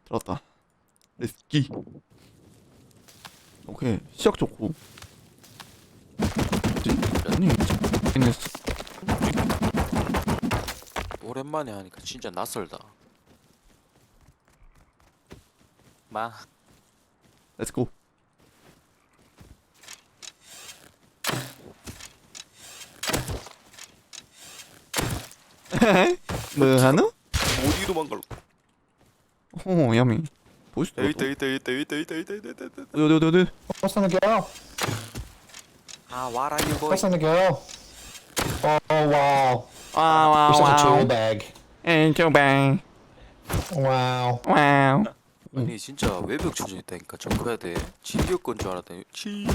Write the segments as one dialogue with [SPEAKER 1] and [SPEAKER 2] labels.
[SPEAKER 1] 들어왔다. 레스키. 오케이 시작 좋고. 아니 피트니스.
[SPEAKER 2] 오랜만에 하니까 진짜 낯설다. 마.
[SPEAKER 1] 렛츠고. 뭐 하노?
[SPEAKER 2] 어디 도망갈로?
[SPEAKER 1] 오 야미. 보이스.
[SPEAKER 2] 있다.
[SPEAKER 1] 어디.
[SPEAKER 3] What's on the girl?
[SPEAKER 2] 아, what are you going?
[SPEAKER 3] What's on the girl? Oh wow.
[SPEAKER 1] 와우
[SPEAKER 3] You're such a tool
[SPEAKER 1] 와우.
[SPEAKER 3] bag.
[SPEAKER 1] 엔조뱅.
[SPEAKER 3] Wow.
[SPEAKER 1] 와우.
[SPEAKER 2] 아니 진짜 외벽 쳐져 있다니까 점프해야 돼. 진격건 줄 알았더니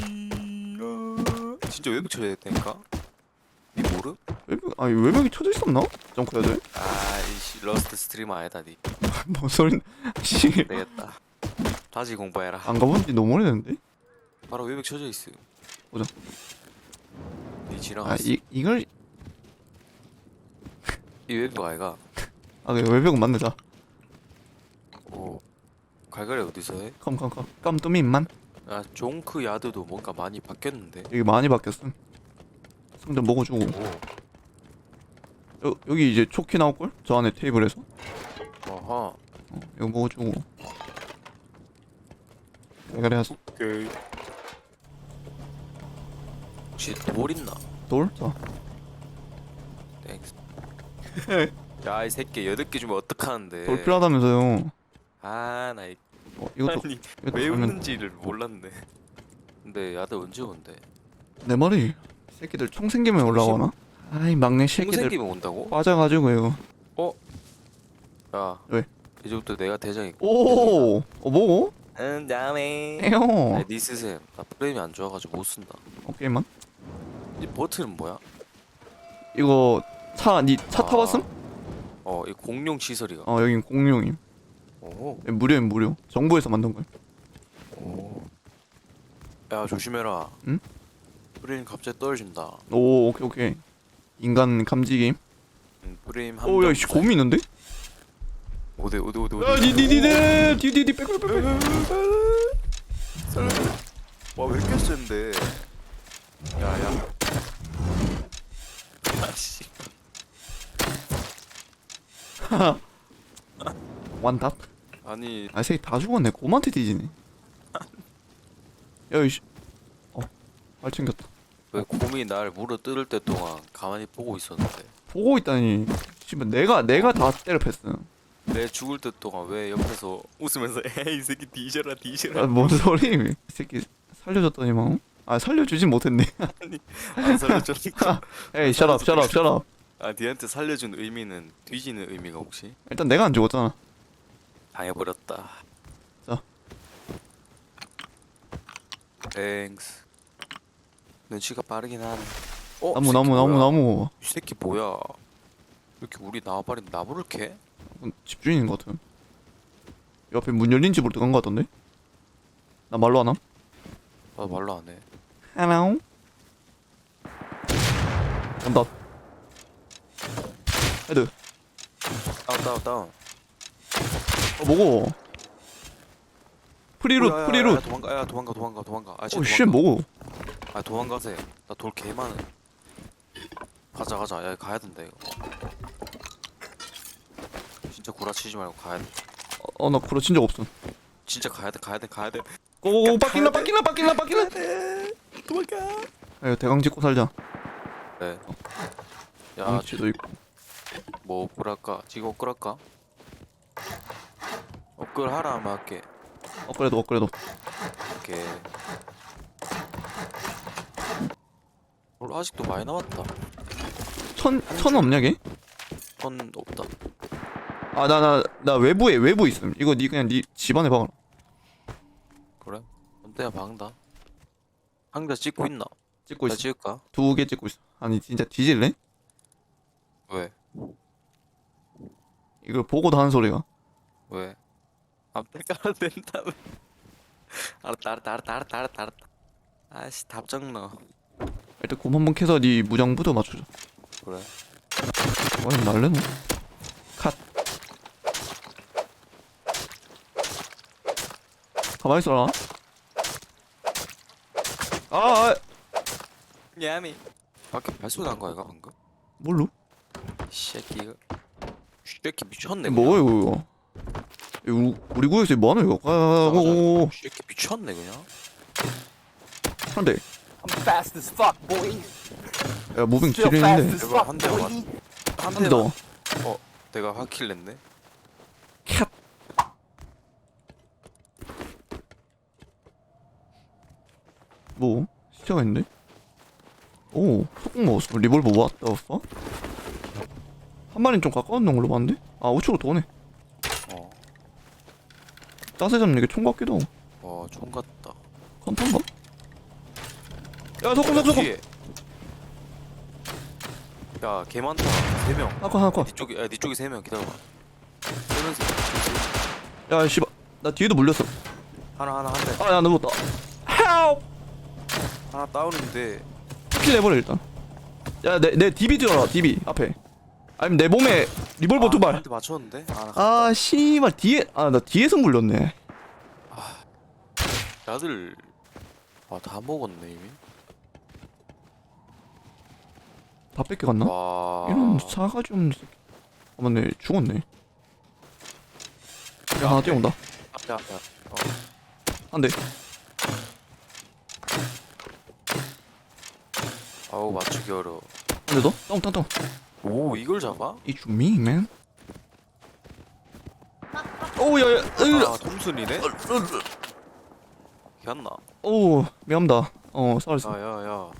[SPEAKER 2] 진짜 외벽 쳐져 있다니까. 니 모름?
[SPEAKER 1] 외벽 아니 외벽이 쳐져 있었나? 점프해야 돼?
[SPEAKER 2] 아이씨 러스트 스트리머 아니다 니.
[SPEAKER 1] 뭔 소린? 씨.
[SPEAKER 2] 되겠다. 다시 공부해라.
[SPEAKER 1] 안 가본 지 너무 오래됐는데?
[SPEAKER 2] 바로 외벽 쳐져 있어.
[SPEAKER 1] 보자.
[SPEAKER 2] 니 지나갔어.
[SPEAKER 1] 이걸
[SPEAKER 2] 이 외벽 아이가.
[SPEAKER 1] 그래 외벽은 만들자.
[SPEAKER 2] 오. 갈갈이 어디서 해?
[SPEAKER 1] 컴컴컴 깜뚜미만.
[SPEAKER 2] 아 종크 야드도 뭔가 많이 바뀌었는데.
[SPEAKER 1] 여기 많이 바뀌었음. 성전 먹어주고.
[SPEAKER 2] 오.
[SPEAKER 1] 여기 이제 초키 나올걸? 저 안에 테이블에서.
[SPEAKER 2] 어허.
[SPEAKER 1] 이거 먹어주고. 내가 해야지.
[SPEAKER 2] 오케이. 혹시 돌 있나?
[SPEAKER 1] 돌? 자.
[SPEAKER 2] 땡스. 야 이 새끼 8개 주면 어떡하는데.
[SPEAKER 1] 돌 필요하다면서요.
[SPEAKER 2] 아나
[SPEAKER 1] 이것도
[SPEAKER 2] 아니
[SPEAKER 1] 이것도
[SPEAKER 2] 왜
[SPEAKER 1] 알면
[SPEAKER 2] 웃는지를 몰랐네. 근데 야들 언제 온대?
[SPEAKER 1] 내 말이 새끼들 총 생기면 올라오나? 아이 막내
[SPEAKER 2] 총
[SPEAKER 1] 새끼들
[SPEAKER 2] 생기면 온다고?
[SPEAKER 1] 빠져가지고요.
[SPEAKER 2] 야
[SPEAKER 1] 왜?
[SPEAKER 2] 이제부터 내가 대장이고.
[SPEAKER 1] 오, 뭐고?
[SPEAKER 2] 다음에
[SPEAKER 1] 에요.
[SPEAKER 2] 니 쓰셈. 나 프레임이 안 좋아가지고 못 쓴다.
[SPEAKER 1] 오케이만.
[SPEAKER 2] 이 버튼은 뭐야?
[SPEAKER 1] 이거 니 차 타봤음?
[SPEAKER 2] 이 공룡 시설이가.
[SPEAKER 1] 여긴 공룡임.
[SPEAKER 2] 오.
[SPEAKER 1] 무료임 무료. 정부에서 만든 거야.
[SPEAKER 2] 오. 야 조심해라.
[SPEAKER 1] 응?
[SPEAKER 2] 프레임 갑자기 떨어진다.
[SPEAKER 1] 오, 오케이. 인간 감지 게임.
[SPEAKER 2] 프레임 한.
[SPEAKER 1] 오, 야, 씨 곰이 있는데?
[SPEAKER 2] 어디.
[SPEAKER 1] 야, 디디디 빽.
[SPEAKER 2] 와왜 이렇게 센데? 야야. 아씨.
[SPEAKER 1] 완탑.
[SPEAKER 2] 아니
[SPEAKER 1] 새끼 다 죽었네. 곰한테 뒤지네. 야, 이씨. 발 챙겼다.
[SPEAKER 2] 왜 곰이 날 물어 뜯을 때 동안 가만히 보고 있었는데
[SPEAKER 1] 보고 있다니. 씨발 내가 다 때려 패스.
[SPEAKER 2] 내 죽을 때 동안 왜 옆에서 웃으면서 에이 이 새끼 뒤져라.
[SPEAKER 1] 뭔 소리? 이 새끼 살려줬더니만. 살려주진 못했네.
[SPEAKER 2] 안 살려줬니까.
[SPEAKER 1] 에이, 셔럽.
[SPEAKER 2] 아 니한테 살려준 의미는 뒤지는 의미가 혹시?
[SPEAKER 1] 일단 내가 안 죽었잖아.
[SPEAKER 2] 당해버렸다.
[SPEAKER 1] 자.
[SPEAKER 2] 땡스. 눈치가 빠르긴 하네.
[SPEAKER 1] 나무.
[SPEAKER 2] 이 새끼 뭐야? 이렇게 우리 나와버린 나무를 캐?
[SPEAKER 1] 집주인인 것 같아. 옆에 문 열린 집으로 들어간 것 같던데? 나 말로 안 함?
[SPEAKER 2] 나 말로 안 해.
[SPEAKER 1] Hello? 간다. 헤드.
[SPEAKER 2] 다운.
[SPEAKER 1] 뭐고? 프리룻.
[SPEAKER 2] 야, 도망가. 아 진짜
[SPEAKER 1] 쉣,
[SPEAKER 2] 도망가.
[SPEAKER 1] 뭐고?
[SPEAKER 2] 아 도망가세. 나 돌 개 많아. 가자. 야 가야 된다 이거. 진짜 구라치지 말고 가야 돼.
[SPEAKER 1] 나 그러친 적 없음.
[SPEAKER 2] 진짜 가야 돼.
[SPEAKER 1] 오, 빡길라.
[SPEAKER 2] 도망가.
[SPEAKER 1] 야, 대강 짓고 살자.
[SPEAKER 2] 네. 야,
[SPEAKER 1] 망치도 있고.
[SPEAKER 2] 뭐 업글할까? 지금 업글할까? 업글하라 하면 할게.
[SPEAKER 1] 그래도.
[SPEAKER 2] 오케이. 아직도 많이 남았다.
[SPEAKER 1] 천 없냐, 걔?
[SPEAKER 2] 선 없다.
[SPEAKER 1] 나 외부 있음. 이거 그냥 니 집안에 박아라.
[SPEAKER 2] 그래? 언제야 박는다. 상자 찍고 있나?
[SPEAKER 1] 찍고
[SPEAKER 2] 나
[SPEAKER 1] 있어.
[SPEAKER 2] 찍을까?
[SPEAKER 1] 2개 찍고 있어. 아니, 진짜 뒤질래?
[SPEAKER 2] 왜?
[SPEAKER 1] 이걸 보고도 하는 소리가.
[SPEAKER 2] 왜? 앞에 깔아도 된다며. 알았다. 아씨 답장나.
[SPEAKER 1] 일단 곰 한번 캐서 니 무장부터 맞추자.
[SPEAKER 2] 그래.
[SPEAKER 1] 날래노? 컷. 가만히 있어라. 아,
[SPEAKER 2] 야미. 밖에 발소리 난 거야, 방금?
[SPEAKER 1] 뭘로?
[SPEAKER 2] 이 새끼가. 새끼 미쳤네.
[SPEAKER 1] 뭐야 이거? 이거 우리 구역에서 뭐하노 이거? 오,
[SPEAKER 2] 새끼 미쳤네 그냥.
[SPEAKER 1] 한대.
[SPEAKER 4] I'm fast as fuck, boy.
[SPEAKER 1] 야 무빙
[SPEAKER 4] Still
[SPEAKER 1] 지리는데.
[SPEAKER 4] fast as
[SPEAKER 2] 내가
[SPEAKER 4] fuck,
[SPEAKER 2] 한 대만.
[SPEAKER 4] boy.
[SPEAKER 1] 한대 더.
[SPEAKER 2] 내가 확킬 냈네.
[SPEAKER 1] 캡. 뭐? 시체가 있는데? 오, 소금 먹었어. 리볼버 왔다 왔어? 한 마리는 좀 가까운 놈으로 봤는데? 아, 우측으로 도네.
[SPEAKER 2] 어.
[SPEAKER 1] 짜세 잡는 게 총 같기도 하고.
[SPEAKER 2] 총 같다.
[SPEAKER 1] 컨탄가? 야, 소금.
[SPEAKER 2] 뒤에. 야, 개 많다. 3명.
[SPEAKER 1] 하나.
[SPEAKER 2] 네 쪽에 3명 기다려봐. 3명씩.
[SPEAKER 1] 야, 씨발. 나 뒤에도 물렸어.
[SPEAKER 2] 하나 한 대.
[SPEAKER 1] 아, 야, 나 누웠다. 헬프!
[SPEAKER 2] 하나 다운인데.
[SPEAKER 1] 킬 내버려, 일단. 야, 내 DB 들어라, DB. 앞에. 아니면 내 몸에 리볼버 두 발.
[SPEAKER 2] 한대 맞췄는데?
[SPEAKER 1] 아, 씨발. 나 뒤에서 물렸네.
[SPEAKER 2] 다들 다 먹었네 이미.
[SPEAKER 1] 다 뺏겨갔나?
[SPEAKER 2] 와.
[SPEAKER 1] 이런 사가지 없는 새끼. 아, 맞네. 죽었네. 야, 하나 뛰어온다.
[SPEAKER 2] 야.
[SPEAKER 1] 한 대.
[SPEAKER 2] 아우 맞추기 어려워.
[SPEAKER 1] 한 대 더? 다운.
[SPEAKER 2] 오 이걸 잡아?
[SPEAKER 1] It's me, man. 오, 야.
[SPEAKER 2] 톰슨이네? 걔였나?
[SPEAKER 1] 오, 미안합니다. 쌀았어.
[SPEAKER 2] 야야야.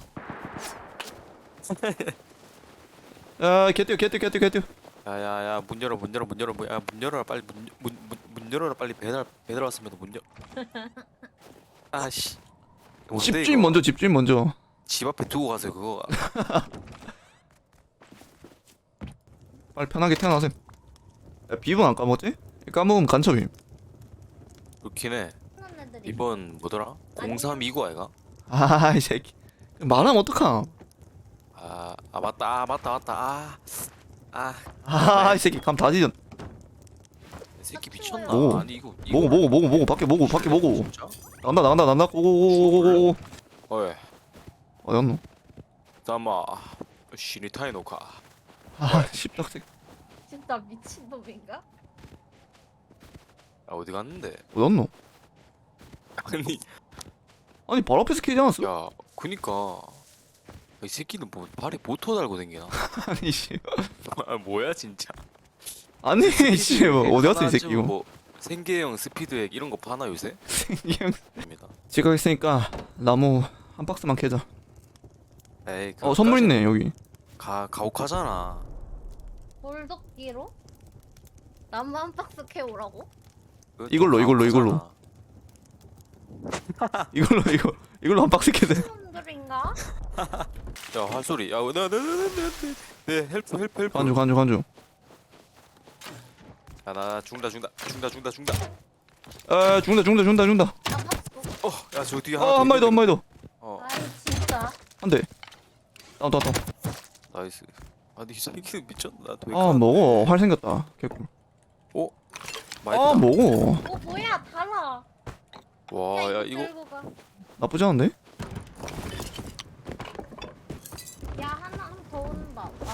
[SPEAKER 1] 야, 개뛰어.
[SPEAKER 2] 야야야 문 열어. 문 열어라 빨리 문 열어라 빨리 배달 왔으면 문 열. 아씨.
[SPEAKER 1] 집주인 먼저.
[SPEAKER 2] 집 앞에 두고 가세요 그거.
[SPEAKER 1] 빨리 편하게 태어나세요. 야, 비번 안 까먹었지? 까먹으면 간첩임.
[SPEAKER 2] 그렇긴 해. 이번 뭐더라? 0329 아이가?
[SPEAKER 1] 아, 이 새끼. 말하면 어떡함.
[SPEAKER 2] 맞다.
[SPEAKER 1] 이 새끼 감 다 지졌.
[SPEAKER 2] 이 새끼 미쳤나?
[SPEAKER 1] 오.
[SPEAKER 2] 아니 이거
[SPEAKER 1] 먹어. 밖에 먹어.
[SPEAKER 2] 진짜?
[SPEAKER 1] 나간다. 고고고고고.
[SPEAKER 2] 어이
[SPEAKER 1] 어디 갔노?
[SPEAKER 2] 다마 시니타이노카.
[SPEAKER 1] 아, 십덕색.
[SPEAKER 5] 진짜 미친놈인가?
[SPEAKER 2] 어디 갔는데?
[SPEAKER 1] 어디 갔노? 아니, 바로 앞에서 캐지 않았어?
[SPEAKER 2] 야 그니까 이 새끼는 뭐 발에 모터 달고 댕기나?
[SPEAKER 1] 아니, 씨.
[SPEAKER 2] 뭐야 진짜.
[SPEAKER 1] 아니, 씨. 뭐, 어디 갔어, 이
[SPEAKER 2] 하나
[SPEAKER 1] 새끼.
[SPEAKER 2] 지금 뭐 생계형 스피드액 이런 거 파나 요새?
[SPEAKER 1] 그냥.
[SPEAKER 2] 입니다.
[SPEAKER 1] 지금 있으니까 나무 한 박스만 캐자.
[SPEAKER 2] 에이
[SPEAKER 1] 선물 있네, 여기.
[SPEAKER 2] 가혹하잖아.
[SPEAKER 5] 돌도끼로? 나무 한 박스 캐오라고?
[SPEAKER 2] 그것도
[SPEAKER 1] 이걸로.
[SPEAKER 2] 가혹하잖아.
[SPEAKER 1] 이걸로 한 박스 캐자.
[SPEAKER 5] 사람들인가?
[SPEAKER 2] 야 활소리. 야 네 헬프.
[SPEAKER 1] 간주.
[SPEAKER 2] 야나 죽는다.
[SPEAKER 1] 아, 죽는다.
[SPEAKER 5] 나 박스.
[SPEAKER 2] 야 저 뒤에 하나
[SPEAKER 1] 한 마리 더.
[SPEAKER 5] 아이 진짜.
[SPEAKER 1] 한 대. 다운.
[SPEAKER 2] 나이스. 아니 이 새끼는 미쳤나?
[SPEAKER 1] 아, 먹어. 활 생겼다. 개꿀.
[SPEAKER 2] 많이
[SPEAKER 1] 아,
[SPEAKER 2] 나.
[SPEAKER 1] 먹어.
[SPEAKER 5] 뭐야 달아.
[SPEAKER 2] 와야 이거
[SPEAKER 5] 들고 가.
[SPEAKER 1] 나쁘지 않은데?
[SPEAKER 5] 야 하나 더 온다. 아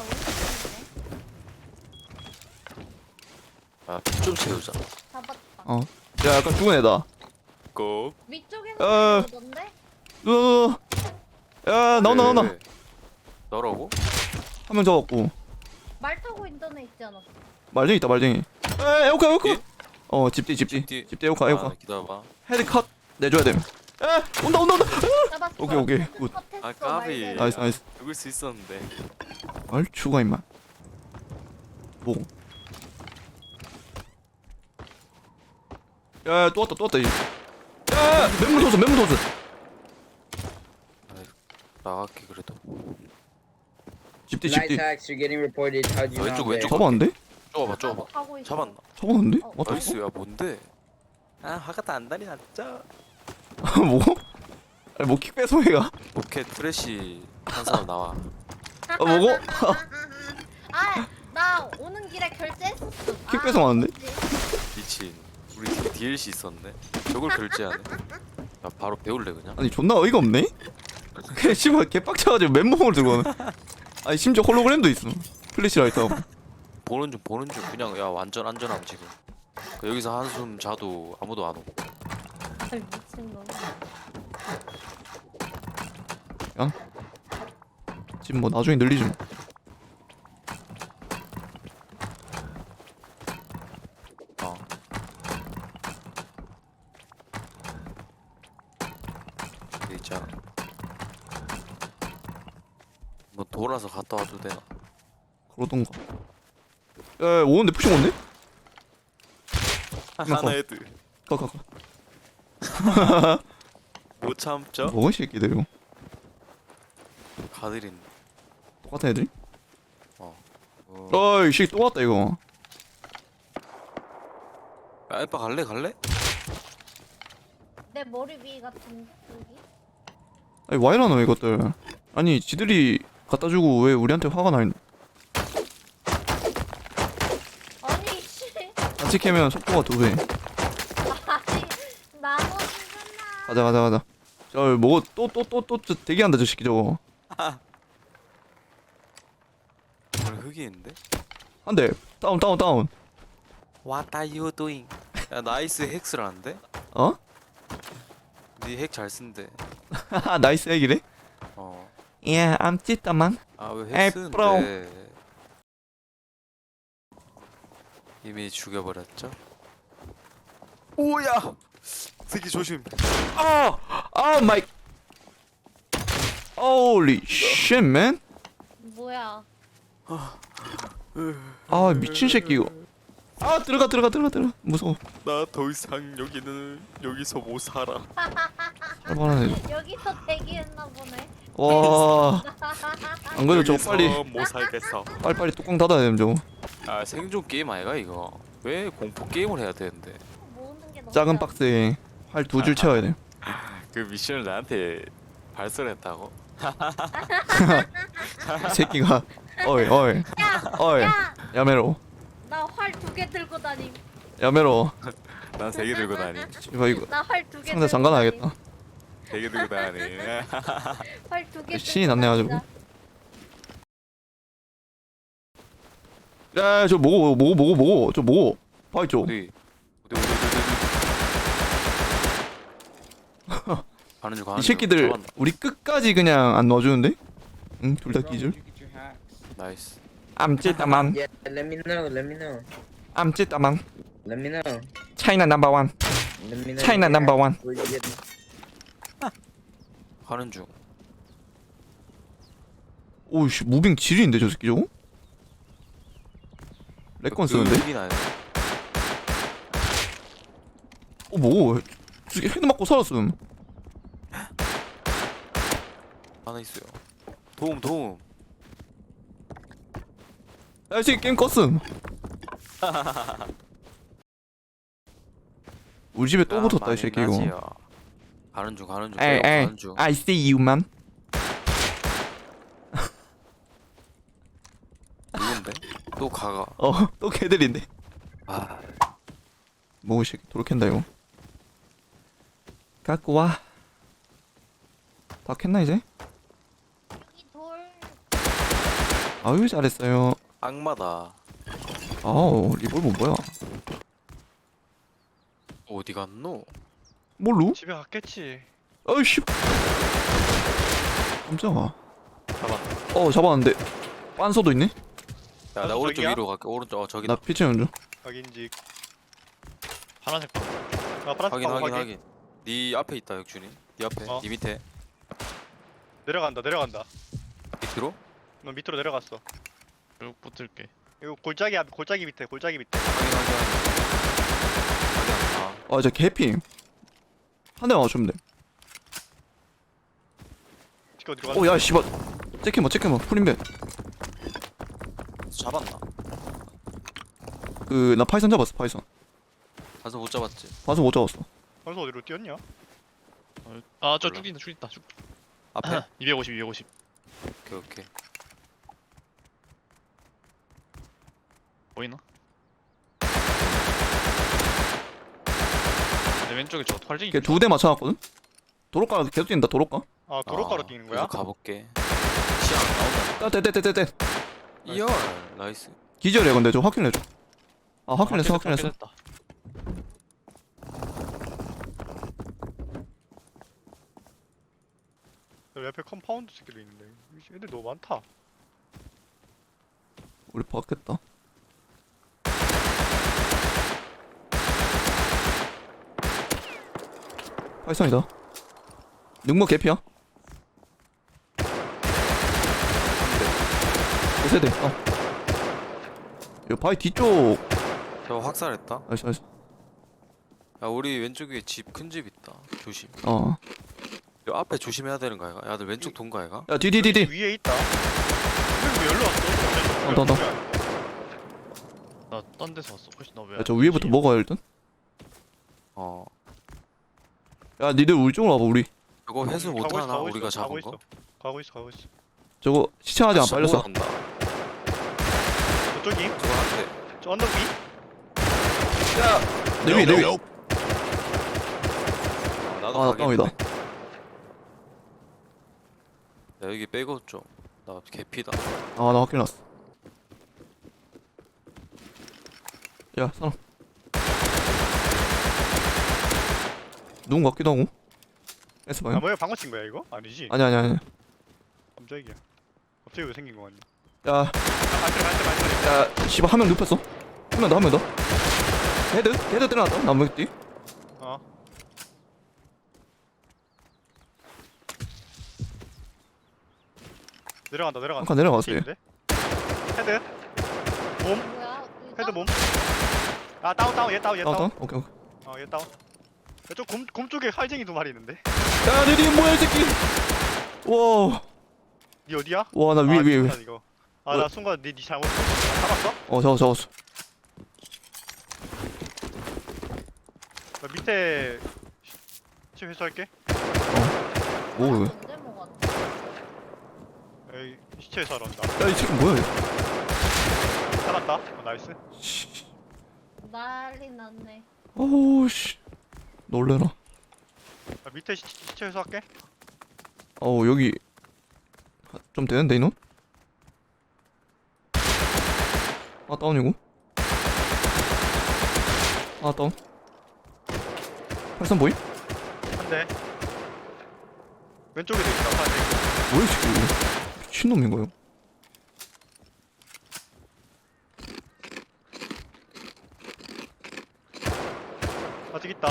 [SPEAKER 5] 우리
[SPEAKER 2] 좀 채우자.
[SPEAKER 5] 잡았다.
[SPEAKER 1] 야, 약간 죽은 애다.
[SPEAKER 2] 고.
[SPEAKER 5] 위쪽에서 오던데?
[SPEAKER 1] 누. 야, 나온다.
[SPEAKER 2] 왜? 너라고?
[SPEAKER 1] 한 명 잡았고.
[SPEAKER 5] 말 타고 있던 애 있지 않았어?
[SPEAKER 1] 말쟁이 있다, 말쟁이. 에, 에오카.
[SPEAKER 2] 예?
[SPEAKER 1] 집뒤.
[SPEAKER 2] 집뒤.
[SPEAKER 1] 집뒤 에오카.
[SPEAKER 2] 기다려봐.
[SPEAKER 1] 헤드 컷 내줘야 됨. 에, 온다.
[SPEAKER 5] 잡았어.
[SPEAKER 1] 오케이, 굿.
[SPEAKER 2] 아, 까비.
[SPEAKER 1] 나이스.
[SPEAKER 2] 죽을 수 있었는데.
[SPEAKER 1] 말 죽어 임마. 뭐? 야, 또 왔다 이제. 야, 맹물 도스.
[SPEAKER 2] 나갈게 그래도.
[SPEAKER 1] 집뒤.
[SPEAKER 6] Night hacks are getting reported. How'd you
[SPEAKER 2] 왼쪽,
[SPEAKER 6] know?
[SPEAKER 2] 왼쪽.
[SPEAKER 1] 잡았는데?
[SPEAKER 2] 좁아봐.
[SPEAKER 5] 가고 있어.
[SPEAKER 2] 잡았나?
[SPEAKER 1] 잡았는데?
[SPEAKER 5] 어,
[SPEAKER 1] 맞다.
[SPEAKER 2] 나이스. 야 뭔데? 화가 안 다리 났죠?
[SPEAKER 1] 뭐? 아니, 뭐 킥 배송해가?
[SPEAKER 2] 로켓 트래시 한 사람 나와.
[SPEAKER 1] 먹어?
[SPEAKER 5] 아, 나 오는 길에 결제했었어.
[SPEAKER 1] 킥 배송 왔는데?
[SPEAKER 2] 미친. 우리 DLC 있었네. 저걸 결제하네. 야 바로 배울래 그냥.
[SPEAKER 1] 아니 존나 어이가 없네. 그냥 씨발 개빡쳐가지고 맨몸으로 들고 오네. 아니 심지어 홀로그램도 있어. 플래시라이트하고.
[SPEAKER 2] 보는 중 그냥 야 완전 안전함 지금. 그 여기서 한숨 자도 아무도 안 오고.
[SPEAKER 5] 미친놈.
[SPEAKER 1] 지금 뭐 나중에 늘리지 뭐.
[SPEAKER 2] 어. 여기 있잖아. 뭐 돌아서 갔다 와도 되나?
[SPEAKER 1] 그러던가. 야 오는데 푸싱 온네?
[SPEAKER 2] 하나 헤드.
[SPEAKER 1] 가가가.
[SPEAKER 2] 못 참죠?
[SPEAKER 1] 뭐이 새끼들 이거.
[SPEAKER 2] 가드린.
[SPEAKER 1] 똑같은 애들?
[SPEAKER 2] 어.
[SPEAKER 1] 어이 새끼 또 왔다 이거.
[SPEAKER 2] 야 에빠 갈래?
[SPEAKER 5] 내 머리 위 같은데 여기?
[SPEAKER 1] 아니 와이라노 이것들. 아니 지들이 갖다주고 왜 우리한테 화가 나 있노?
[SPEAKER 5] 아니 씨.
[SPEAKER 1] 같이 캐면 속도가 2배.
[SPEAKER 5] 아니 나머지구나.
[SPEAKER 1] 가자. 저 뭐고 또 대기한다 저 새끼 저거.
[SPEAKER 2] 오늘 흑이인데?
[SPEAKER 1] 한 대. 다운.
[SPEAKER 2] What are you doing? 야 나이스 핵스라는데?
[SPEAKER 1] 어?
[SPEAKER 2] 니 핵 잘 쓴대.
[SPEAKER 1] 나이스 핵이래?
[SPEAKER 2] 어.
[SPEAKER 1] 예, I'm 찌따만.
[SPEAKER 2] 아 왜
[SPEAKER 1] 에이,
[SPEAKER 2] 핵
[SPEAKER 1] 프로.
[SPEAKER 2] 쓰는데? 이미 죽여버렸죠? 오야! 새끼 조심.
[SPEAKER 1] 아 마이. Holy shit, man.
[SPEAKER 5] 뭐야?
[SPEAKER 1] 아 미친 새끼 이거. 아 들어가. 무서워.
[SPEAKER 2] 나 더 이상 여기서 못 살아.
[SPEAKER 1] 살벌한 애.
[SPEAKER 5] 여기서 대기했나 보네.
[SPEAKER 1] 와. 안 그래도 저거 빨리
[SPEAKER 2] 못 살겠어.
[SPEAKER 1] 빨리 뚜껑 닫아야 되는 저거.
[SPEAKER 2] 아 생존 게임 아이가 이거? 왜 공포 게임을 해야 되는데?
[SPEAKER 5] 모으는 게 너무
[SPEAKER 1] 작은
[SPEAKER 5] 잘-
[SPEAKER 1] 박스에 활 2줄 채워야 돼.
[SPEAKER 2] 그 미션을 나한테 발설했다고?
[SPEAKER 1] 이 새끼가 어이
[SPEAKER 5] 야,
[SPEAKER 1] 야메로
[SPEAKER 5] 나 활 2개 들고 다님.
[SPEAKER 1] 야메로.
[SPEAKER 2] 난 3개 들고 다니.
[SPEAKER 1] 이거 이거
[SPEAKER 5] 나 활 2개.
[SPEAKER 1] 상자 잠가놔야겠다.
[SPEAKER 2] 3개 들고 다니.
[SPEAKER 5] 활 2개.
[SPEAKER 1] 신이 났네 가지고. 야 저 뭐고 저 뭐고 봐 있죠.
[SPEAKER 2] 어디? 가는 중.
[SPEAKER 1] 이 새끼들
[SPEAKER 2] 잡았나?
[SPEAKER 1] 우리 끝까지 그냥 안 넣어주는데? 응 둘 다 기절.
[SPEAKER 2] 나이스.
[SPEAKER 1] 암찌따만
[SPEAKER 6] Yeah, let me know.
[SPEAKER 1] 암찌따만
[SPEAKER 6] Let me know.
[SPEAKER 1] 차이나 넘버 원.
[SPEAKER 6] Let me know.
[SPEAKER 1] 차이나 넘버 원.
[SPEAKER 6] Where you getting?
[SPEAKER 2] 가는 중.
[SPEAKER 1] 오우씨 무빙 지리인데 저 새끼 저거? 렉건 쓰는데?
[SPEAKER 2] 흑인 아니야?
[SPEAKER 1] 뭐 저 새끼 헤드 맞고 살았음.
[SPEAKER 2] 하나 있어요. 도움.
[SPEAKER 1] 야 이 새끼 게임 껐음. 우리 집에 또 붙었다 이 새끼 이거.
[SPEAKER 2] 나지요. 가는 중.
[SPEAKER 1] 에이
[SPEAKER 2] 가는 중.
[SPEAKER 1] I see you man.
[SPEAKER 2] 누군데? 또 가가.
[SPEAKER 1] 또 걔들인데.
[SPEAKER 2] 아,
[SPEAKER 1] 뭐 이 새끼 도로캔다 이거. 갖고 와. 다 캤나 이제?
[SPEAKER 5] 이 돌.
[SPEAKER 1] 아유 잘했어요.
[SPEAKER 2] 악마다.
[SPEAKER 1] 아우 리볼버 뭐야?
[SPEAKER 2] 어디 갔노?
[SPEAKER 1] 뭘로?
[SPEAKER 7] 집에 갔겠지.
[SPEAKER 1] 아이씨. 깜짝아.
[SPEAKER 2] 잡았.
[SPEAKER 1] 잡았는데 빤소도 있네?
[SPEAKER 2] 야, 나 오른쪽
[SPEAKER 7] 저기야?
[SPEAKER 2] 위로 갈게. 오른쪽. 저기.
[SPEAKER 1] 나 피치는 중.
[SPEAKER 7] 확인직. 파란색 방. 아 파란색 방
[SPEAKER 2] 확인. 네 앞에 있다, 역준이. 네 앞에.
[SPEAKER 7] 어.
[SPEAKER 2] 네 밑에.
[SPEAKER 7] 내려간다.
[SPEAKER 2] 밑으로?
[SPEAKER 7] 너 밑으로 내려갔어.
[SPEAKER 8] 쭉 붙을게.
[SPEAKER 7] 이거 골짜기 밑에.
[SPEAKER 2] 확인.
[SPEAKER 1] 저 개피. 한 대만 맞추면 돼.
[SPEAKER 7] 지금 어디로 가는
[SPEAKER 1] 오야 씨발. 체크만 프린벤.
[SPEAKER 2] 잡았나?
[SPEAKER 1] 나 파이썬 잡았어 파이썬.
[SPEAKER 2] 가서 못 잡았지.
[SPEAKER 1] 봐서 못 잡았어.
[SPEAKER 7] 벌써 어디로 뛰었냐?
[SPEAKER 8] 아저
[SPEAKER 2] 몰라.
[SPEAKER 8] 쭉 있다. 쭉.
[SPEAKER 2] 앞에?
[SPEAKER 8] 250.
[SPEAKER 2] 오케이.
[SPEAKER 8] 보이나? 내 왼쪽에 저 털쟁이.
[SPEAKER 1] 걔 2대 맞춰놨거든? 도로가 계속 뛴다 도로가.
[SPEAKER 8] 아 도로가로 뛰는 거야?
[SPEAKER 2] 계속 가볼게. 시야 안 나온다.
[SPEAKER 1] 떼떼떼떼떼
[SPEAKER 2] 이열 나이스.
[SPEAKER 1] 기절이야 근데 저 확인해줘. 아 확인했어.
[SPEAKER 8] 확인했다. 여기 옆에 컴파운드 새끼도 있는데 애들 너무 많다.
[SPEAKER 1] 우리 봤겠다. 팔성이다. 능력 개피야. 5세대. 이거 바위 뒤쪽.
[SPEAKER 2] 저 확살했다.
[SPEAKER 1] 나이스 나이스.
[SPEAKER 2] 야 우리 왼쪽에 집 큰 집 있다. 조심.
[SPEAKER 1] 어.
[SPEAKER 2] 요 앞에 조심해야 되는 거 아이가? 야들 왼쪽 돈 거 아이가?
[SPEAKER 1] 야 뒤.
[SPEAKER 8] 위에 있다. 왜 열로 왔어?
[SPEAKER 1] 더.
[SPEAKER 8] 나딴 데서 왔어. 훨씬 나 왜?
[SPEAKER 1] 야 저 위에부터 먹어야 일단.
[SPEAKER 2] 어.
[SPEAKER 1] 야 니들 우리 쪽으로 와봐 우리.
[SPEAKER 2] 이거 회수
[SPEAKER 8] 가고 있어,
[SPEAKER 2] 못하나
[SPEAKER 8] 가고
[SPEAKER 2] 우리가
[SPEAKER 8] 있어,
[SPEAKER 2] 잡은 거?
[SPEAKER 8] 가고 있어.
[SPEAKER 1] 저거 시청하지 안 빨렸어.
[SPEAKER 2] 한다.
[SPEAKER 8] 저쪽이?
[SPEAKER 2] 저거 한 대.
[SPEAKER 8] 저 언덕 위?
[SPEAKER 1] 내 위.
[SPEAKER 2] 나도
[SPEAKER 1] 아, 나
[SPEAKER 2] 가겠네.
[SPEAKER 1] 땀이다.
[SPEAKER 2] 야 여기 빼고 좀. 나 개피다.
[SPEAKER 1] 아 나 확인 났어. 야 사람. 누군 같기도 하고. S
[SPEAKER 8] 아
[SPEAKER 1] 방향?
[SPEAKER 8] 뭐야 방금 친 거야 이거? 아니지?
[SPEAKER 1] 아니야.
[SPEAKER 8] 깜짝이야. 갑자기 왜 생긴 거 같냐?
[SPEAKER 1] 야,
[SPEAKER 8] 발소리.
[SPEAKER 1] 야, 씨발 한 명 눕혔어. 한 명 더. 헤드 때려놨다. 나무뒤.
[SPEAKER 8] 어. 내려간다.
[SPEAKER 1] 한 칸 내려갔어요.
[SPEAKER 8] 있는데? 헤드. 몸.
[SPEAKER 5] 뭐야?
[SPEAKER 8] 헤드 몸. 아 다운 얘 다운.
[SPEAKER 1] 다운. 오케이.
[SPEAKER 8] 얘 다운. 저곰 쪽에 활쟁이 2마리 있는데.
[SPEAKER 1] 야, 내리 뭐야 이 새끼. 와,
[SPEAKER 8] 니 어디야?
[SPEAKER 1] 와 나 위에.
[SPEAKER 8] 미안, 이거. 나 순간 니 잘못 잡았어?
[SPEAKER 1] 잡았어.
[SPEAKER 8] 나 밑에 시체 회수할게.
[SPEAKER 1] 뭐?
[SPEAKER 5] 언제 먹었지?
[SPEAKER 8] 에이 시체 회수하러 온다.
[SPEAKER 1] 야, 이 새끼 뭐야?
[SPEAKER 8] 잡았다. 나이스.
[SPEAKER 1] 씨.
[SPEAKER 5] 난리 났네.
[SPEAKER 1] 어우 씨. 놀래라.
[SPEAKER 8] 나 밑에 시체 회수할게.
[SPEAKER 1] 어우 여기 좀 되는데 이놈? 아 다운이고. 아 다운. 팔선 보임?
[SPEAKER 8] 한 대. 왼쪽에도 있다. 활쟁이.
[SPEAKER 1] 뭐야 이 새끼. 미친놈인 거요.
[SPEAKER 8] 아직 있다.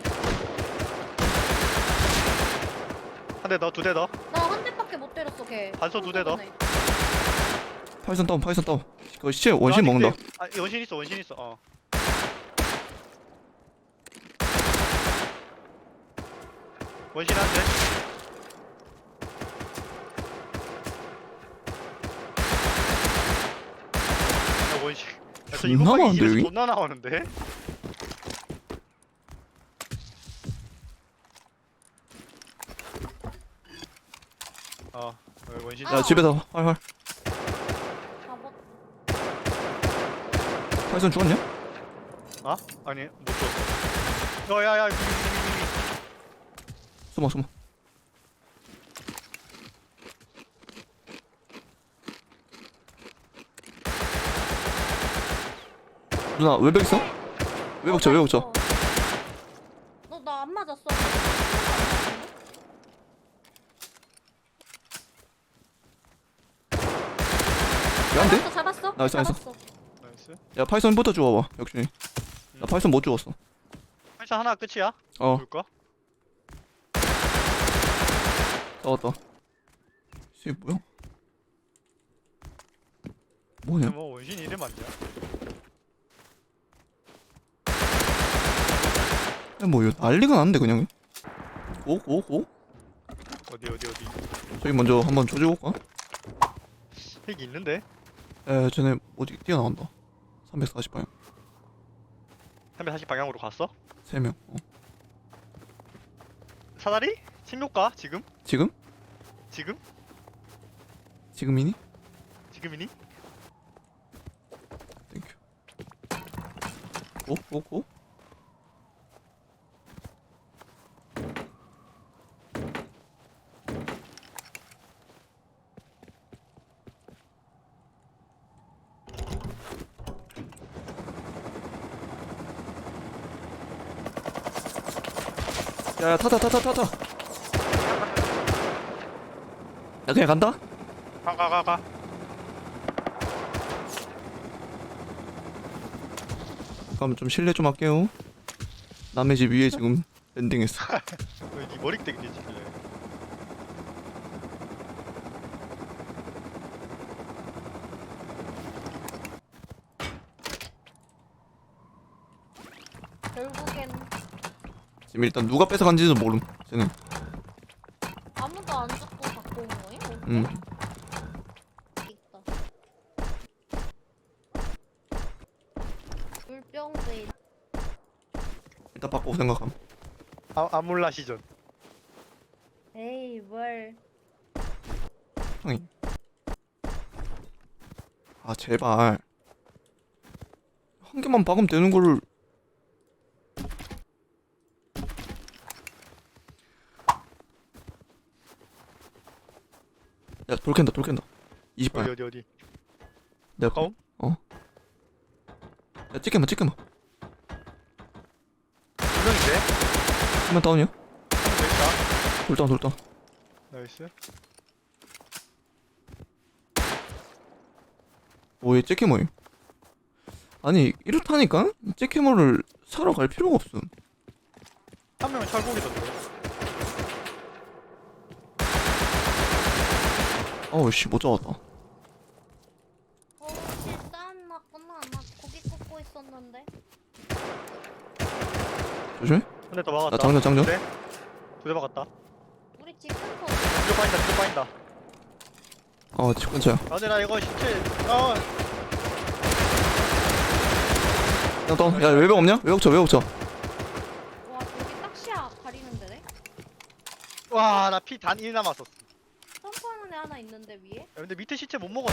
[SPEAKER 8] 한 대 더, 2대 더.
[SPEAKER 5] 나 한 대밖에 못 때렸어 걔.
[SPEAKER 8] 반소 2대 더.
[SPEAKER 1] 팔선 다운. 그 시체 원신 먹는다.
[SPEAKER 8] 원신 있어. 어. 원신 한 대. 야, 원신. 야, 저
[SPEAKER 1] 존나
[SPEAKER 8] 이거 빡이
[SPEAKER 1] 많은데,
[SPEAKER 8] 이래서
[SPEAKER 1] 여기?
[SPEAKER 8] 존나 나오는데? 원신.
[SPEAKER 1] 야 집에서 활.
[SPEAKER 5] 잡았.
[SPEAKER 1] 팔선 죽었냐?
[SPEAKER 8] 아니, 못 줬어. 야야야,
[SPEAKER 1] 숨어. 누나 외벽 있어? 외벽 쳐.
[SPEAKER 5] 너 나 안 맞았어.
[SPEAKER 1] 야한데?
[SPEAKER 5] 잡았어.
[SPEAKER 1] 나이스.
[SPEAKER 8] 나이스.
[SPEAKER 1] 야 파이썬부터 주워봐. 역시 나 파이썬 못 주웠어.
[SPEAKER 8] 팔자 하나 끝이야?
[SPEAKER 1] 어
[SPEAKER 8] 볼까?
[SPEAKER 1] 싸웠다. 이게 뭐냐?
[SPEAKER 8] 뭐 원신이 이래 많냐?
[SPEAKER 1] 뭐 이거 난리가 났는데 그냥. 고?
[SPEAKER 8] 어디
[SPEAKER 1] 저기 먼저 한번 조지고 올까?
[SPEAKER 8] 핵이 있는데?
[SPEAKER 1] 에 쟤네 어디 뛰어나온다. 340방향
[SPEAKER 8] 340 방향으로 갔어?
[SPEAKER 1] 3명.
[SPEAKER 8] 사다리? 챙겨올까? 지금?
[SPEAKER 1] 지금? 지금이니?
[SPEAKER 8] 지금이니?
[SPEAKER 1] 땡큐. 고? 야야 타자 타자. 야 그냥 간다.
[SPEAKER 8] 가.
[SPEAKER 1] 그럼 좀 실례 좀 할게요. 남의 집 위에 지금 랜딩했어.
[SPEAKER 8] 네 머리 땡기지 지금.
[SPEAKER 5] 결국엔
[SPEAKER 1] 지금 일단 누가 뺏어간지는 모름. 쟤는.
[SPEAKER 5] 아무도 안 죽고 갖고 온 거예요?
[SPEAKER 1] 음.
[SPEAKER 5] 있다. 물병도 있.
[SPEAKER 1] 일단 바꾸고 생각함.
[SPEAKER 8] 아몰라 시전.
[SPEAKER 5] 에이 뭘.
[SPEAKER 1] 형이. 아 제발. 한 개만 박으면 되는 거를. 야 돌캔다. 20발.
[SPEAKER 8] 어디.
[SPEAKER 1] 내가
[SPEAKER 8] 가까움?
[SPEAKER 1] 야 찍게마.
[SPEAKER 8] 분명인데?
[SPEAKER 1] 한명 다운이야.
[SPEAKER 8] 됐다.
[SPEAKER 1] 돌다운.
[SPEAKER 8] 나이스.
[SPEAKER 1] 오얘 잭캐머임. 아니 이렇다니까? 잭캐머를 사러 갈 필요가 없음.
[SPEAKER 8] 한 명은 철곡이던데.
[SPEAKER 1] 어우 씨못 잡았다.
[SPEAKER 5] 실산 났구나. 나 고기 굽고 있었는데.
[SPEAKER 1] 조심해.
[SPEAKER 8] 근데 더 막았다.
[SPEAKER 1] 나 장전.
[SPEAKER 8] 네? 두대 막았다.
[SPEAKER 5] 우리 집 근처.
[SPEAKER 8] 뒤로 빠진다.
[SPEAKER 1] 집 근처야.
[SPEAKER 8] 아 근데 나 이거 신체
[SPEAKER 1] 야 다운. 야 외벽 없냐? 외벽 쳐.
[SPEAKER 5] 와 저기 딱시야 가리는 데네.
[SPEAKER 8] 와나 피 단 1 남았었어. 야,
[SPEAKER 5] 점프하는 애 하나 있는데 위에.
[SPEAKER 8] 근데 밑에 시체 못 먹었어.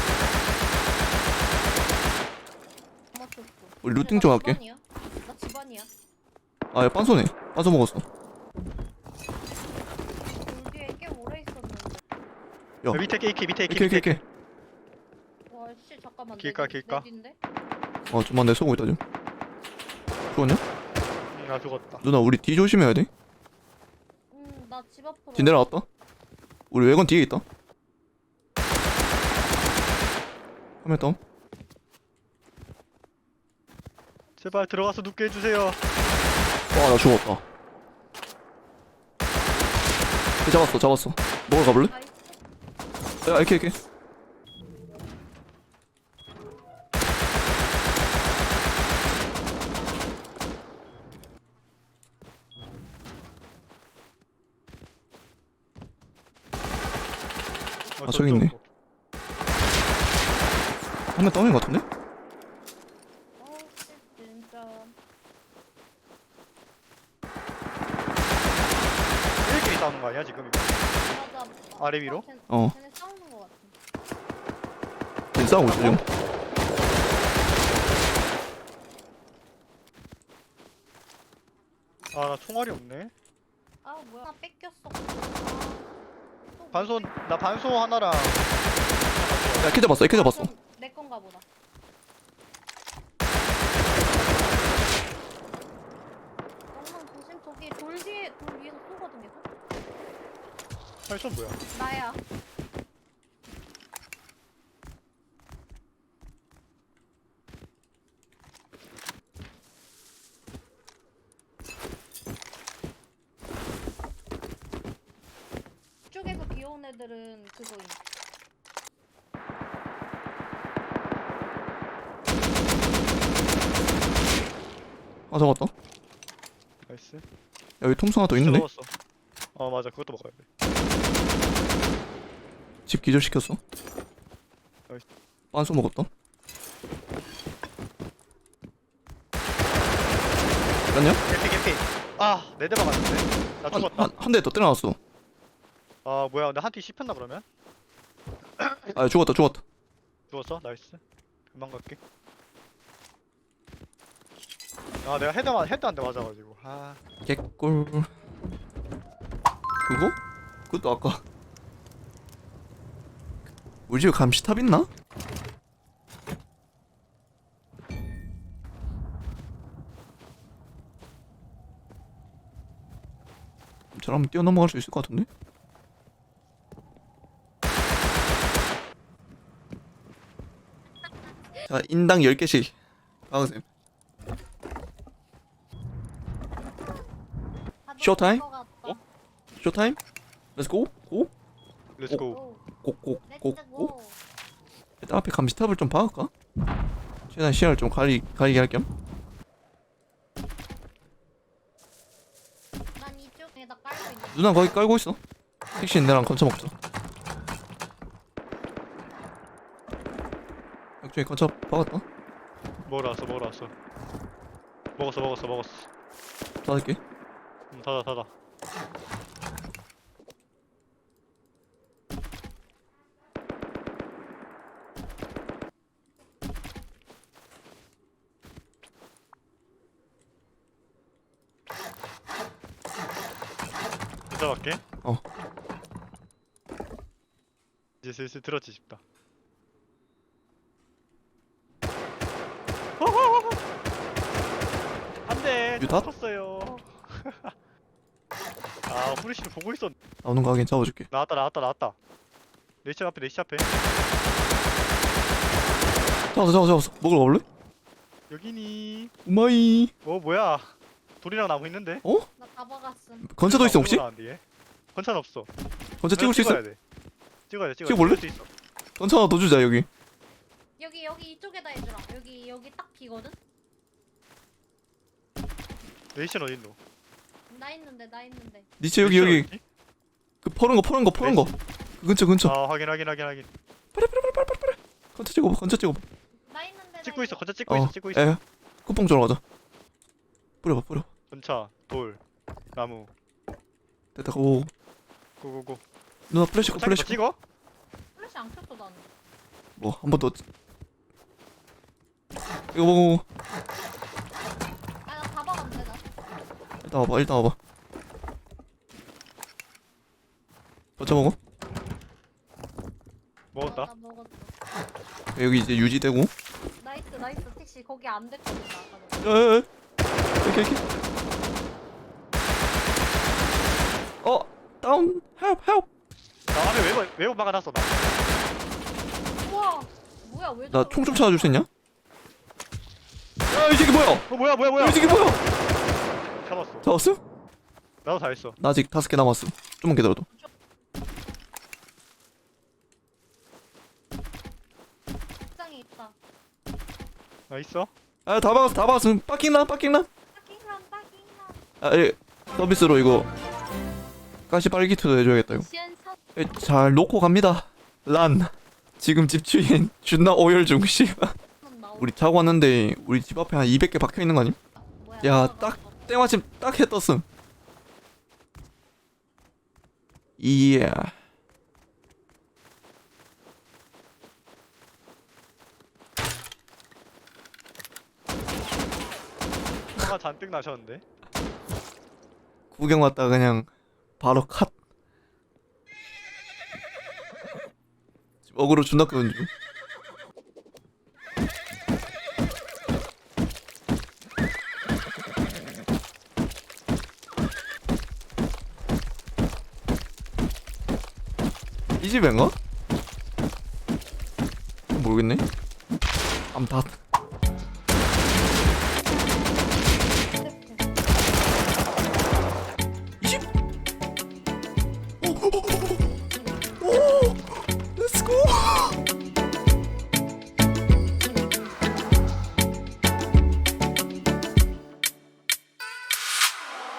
[SPEAKER 5] 맞췄어.
[SPEAKER 1] 우리 루팅 좀 할게.
[SPEAKER 5] 나 집안이야.
[SPEAKER 1] 아야 빤소네. 빤소 먹었어.
[SPEAKER 5] 돌 뒤에 꽤 오래 있었는데.
[SPEAKER 1] 야.
[SPEAKER 8] 밑에 AK 밑에
[SPEAKER 1] 이렇게.
[SPEAKER 5] 와씨 잠깐만.
[SPEAKER 8] 길까?
[SPEAKER 5] 내 뒤인데?
[SPEAKER 1] 좀만 내 쏘고 있다 지금. 죽었냐?
[SPEAKER 8] 나 죽었다.
[SPEAKER 1] 누나 우리 뒤 조심해야 돼.
[SPEAKER 5] 나 집 앞으로.
[SPEAKER 1] 뒤 내려왔다. 우리 외관 뒤에 있다. 화면 다운.
[SPEAKER 8] 제발 들어가서 눕게 해주세요.
[SPEAKER 1] 와나 죽었다. 잡았어. 먹으러 가볼래?
[SPEAKER 5] 나이스.
[SPEAKER 1] 야 이렇게. 저기 있네. 화면 다운인 것 같은데?
[SPEAKER 5] 씨 진짜.
[SPEAKER 8] 일끼리 싸우는 거 아니야 지금 이거?
[SPEAKER 5] 맞아.
[SPEAKER 8] 아래 위로?
[SPEAKER 5] 쟤네 싸우는 거 같아.
[SPEAKER 1] 지금 싸우고 있어 지금.
[SPEAKER 8] 아 나 총알이 없네.
[SPEAKER 5] 아 뭐야? 하나 뺏겼어.
[SPEAKER 8] 나 반소 하나랑
[SPEAKER 1] 야 키 잡았어.
[SPEAKER 5] 내 건가 보다. 너무 조심. 저기 돌 위에서 쏘거든 계속.
[SPEAKER 8] 팔선 뭐야?
[SPEAKER 5] 나야. 이쪽에서 귀여운 애들은 그거임.
[SPEAKER 1] 잡았다.
[SPEAKER 8] 나이스.
[SPEAKER 1] 야 여기 통수 하나 더 있는데?
[SPEAKER 8] 먹었어. 맞아 그것도 먹어야 돼.
[SPEAKER 1] 집 기절시켰어.
[SPEAKER 8] 나이스.
[SPEAKER 1] 빤소 먹었다. 맞냐?
[SPEAKER 8] 개피. 네 대 막았는데. 나 죽었다.
[SPEAKER 1] 한 대 더 때려놨어.
[SPEAKER 8] 뭐야 근데 한 팀 씹혔나 그러면?
[SPEAKER 1] 아 죽었다.
[SPEAKER 8] 죽었어? 나이스. 금방 갈게. 내가 헤드 한 대 맞아가지고.
[SPEAKER 1] 개꿀. 그거? 그것도 아까 우리 집에 감시탑 있나? 저라면 뛰어넘어갈 수 있을 것 같은데? 자, 인당 10개씩 박으세요. 쇼타임? 쇼타임? Let's go? 고?
[SPEAKER 8] 렛츠고.
[SPEAKER 1] 고고고고. 일단 앞에 감시탑을 좀 박을까? 최대한 시야를 좀 가리게 할 겸.
[SPEAKER 5] 난 이쪽에다 깔고 있는.
[SPEAKER 1] 누나 거기 깔고 있어. 택시는 내랑 건차 먹자. 역중에 건차 박았다.
[SPEAKER 8] 먹으러 왔어. 먹었어.
[SPEAKER 1] 5개.
[SPEAKER 8] 닫아. 인사 갈게.
[SPEAKER 1] 어.
[SPEAKER 8] 이제 슬슬 들었지 싶다. 안돼.
[SPEAKER 1] 유탄?
[SPEAKER 8] 쳤어요. 아 후레쉬를 보고 있었.
[SPEAKER 1] 나오는 거 하긴 잡아줄게.
[SPEAKER 8] 나왔다. 내시 앞에.
[SPEAKER 1] 잡았어. 먹으러 가볼래?
[SPEAKER 8] 여기니.
[SPEAKER 1] 우마이.
[SPEAKER 8] 뭐야? 돌이랑 나무 있는데?
[SPEAKER 5] 나 다 박았음.
[SPEAKER 1] 건차도 있어 혹시?
[SPEAKER 8] 건차는 없어.
[SPEAKER 1] 건차 찍을 수 있어?
[SPEAKER 8] 찍어야 돼.
[SPEAKER 1] 찍어볼래?
[SPEAKER 8] 찍을 수 있어.
[SPEAKER 1] 건차 하나 더 주자 여기.
[SPEAKER 5] 여기 이쪽에다 해주라. 여기 딱 비거든.
[SPEAKER 8] 레이션 어딨노?
[SPEAKER 5] 나 있는데.
[SPEAKER 1] 니체 여기 그 퍼는 거 그 근처
[SPEAKER 8] 아 확인.
[SPEAKER 1] 건차 찍어봐
[SPEAKER 5] 나 있는데.
[SPEAKER 8] 찍고 있어. 건차 찍고 있어.
[SPEAKER 1] 에 쿠팡 쪽으로 가자. 뿌려
[SPEAKER 8] 건차, 돌, 나무.
[SPEAKER 1] 됐다. 고
[SPEAKER 8] 고고고.
[SPEAKER 1] 누나 플래시
[SPEAKER 8] 건차 찍어?
[SPEAKER 5] 플래시 안 켰어 나는.
[SPEAKER 1] 뭐 한 번 더 이거 먹어.
[SPEAKER 5] 나 다 박았는데 나.
[SPEAKER 1] 일단 와봐 건차 먹어.
[SPEAKER 8] 먹었다.
[SPEAKER 5] 나 먹었어.
[SPEAKER 1] 여기 이제 유지되고.
[SPEAKER 5] 나이스 택시 거기 안 됐거든 나 아까 전에.
[SPEAKER 1] 야야야 이렇게 다운 헬프
[SPEAKER 8] 나 안에 외부 막아놨어. 나.
[SPEAKER 5] 우와 뭐야 왜
[SPEAKER 1] 나
[SPEAKER 5] 저러고
[SPEAKER 1] 총 좀
[SPEAKER 5] 있어?
[SPEAKER 1] 찾아줄 수 있냐? 야이 새끼 뭐야
[SPEAKER 8] 뭐야?
[SPEAKER 1] 이 새끼 뭐야
[SPEAKER 8] 잡았어.
[SPEAKER 1] 잡았음?
[SPEAKER 8] 나도 다 했어.
[SPEAKER 1] 나 아직 5개 남았음. 좀만 기다려도.
[SPEAKER 5] 책상에 있다.
[SPEAKER 8] 나 있어.
[SPEAKER 1] 아 다 박았음. 빠킹란
[SPEAKER 5] 빠킹란.
[SPEAKER 1] 서비스로 이거 가시 빨기트도 해줘야겠다 이거. 잘 놓고 갑니다. 란 지금 집주인 존나 오열 중. 씨발 우리 자고 왔는데 우리 집 앞에 한 200개 박혀있는 거 아님? 야, 딱 때마침 딱 해 떴음. 이야
[SPEAKER 8] 화가 잔뜩 나셨는데.
[SPEAKER 1] 구경 왔다가 그냥 바로 컷. 지금 어그로 존나 끄는 중. 이 집인가? 모르겠네. 아무튼